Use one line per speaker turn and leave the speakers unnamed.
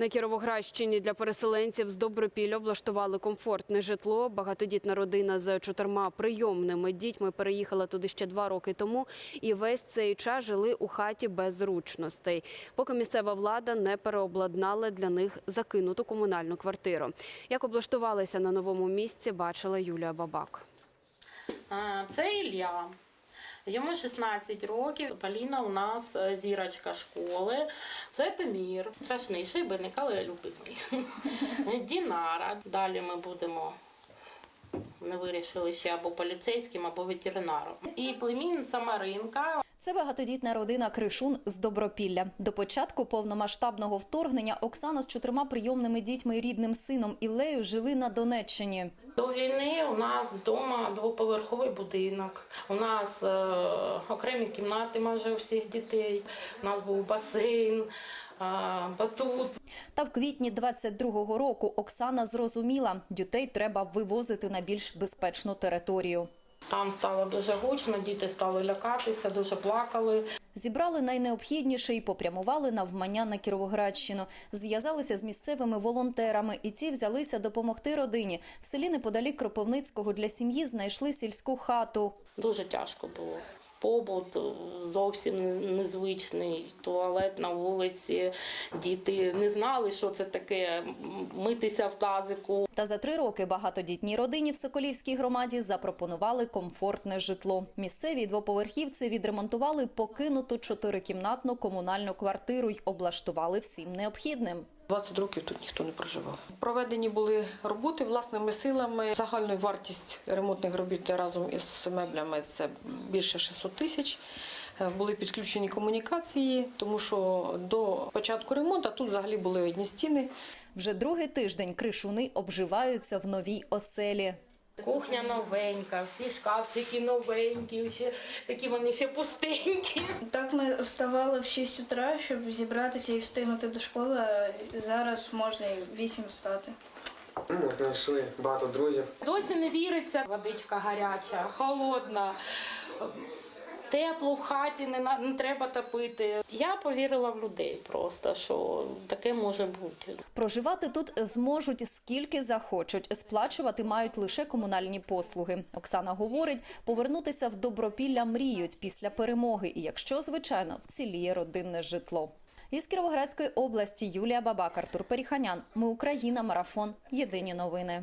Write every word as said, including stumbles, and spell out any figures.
На Кіровоградщині для переселенців з Добропілля облаштували комфортне житло. Багатодітна родина з чотирма прийомними дітьми переїхала туди ще два роки тому і весь цей час жили у хаті без зручностей, поки місцева влада не переобладнала для них закинуту комунальну квартиру. Як облаштувалися на новому місці, бачила Юлія Бабак.
Це Ілля. Йому шістнадцять років, Поліна у нас зірочка школи, це Тимір, страшний шибеник, але любимий. Дінара, далі ми будемо, не вирішили ще, або поліцейським, або ветеринаром. І племінниця Маринка.
Це багатодітна родина Кришун з Добропілля. До початку повномасштабного вторгнення Оксана з чотирма прийомними дітьми і рідним сином Іллею жили на Донеччині.
До війни у нас вдома двоповерховий будинок, у нас е, окремі кімнати майже у всіх дітей, у нас був басейн, е, батут.
Та в квітні двадцять другого року Оксана зрозуміла, дітей треба вивозити на більш безпечну територію.
Там стало дуже гучно, діти стали лякатися, дуже плакали.
Зібрали найнеобхідніше і попрямували навмання на Кіровоградщину. Зв'язалися з місцевими волонтерами, і ті взялися допомогти родині. В селі неподалік Кропивницького для сім'ї знайшли сільську хату.
Дуже тяжко було. Побут зовсім незвичний, туалет на вулиці, діти не знали, що це таке, митися в тазику.
Та за три роки багатодітній родині в Соколівській громаді запропонували комфортне житло. Місцеві двоповерхівці відремонтували покинуту чотирикімнатну комунальну квартиру й облаштували всім необхідним.
двадцять років тут ніхто не проживав. Проведені були роботи власними силами. Загальна вартість ремонтних робіт разом із меблями – це більше шістсот тисяч. Були підключені комунікації, тому що до початку ремонту тут взагалі були одні стіни.
Вже другий тиждень кришуни обживаються в новій оселі.
Кухня новенька, всі шкафчики новенькі, ще такі вони ще пустенькі.
Так ми вставали в шість утра, щоб зібратися і встигнути до школи, а зараз можна і в вісім встати.
Ми знайшли багато друзів.
Досі не віриться, водичка гаряча, холодна, тепло в хаті, не, на, не треба топити. Я повірила в людей просто, що таке може бути.
Проживати тут зможуть скільки захочуть, сплачувати мають лише комунальні послуги. Оксана говорить, повернутися в Добропілля мріють після перемоги, і якщо, звичайно, вціліє родинне житло. Із Кіровоградської області Юлія Бабак, Артур Періханян. Ми Україна. Марафон. Єдині новини.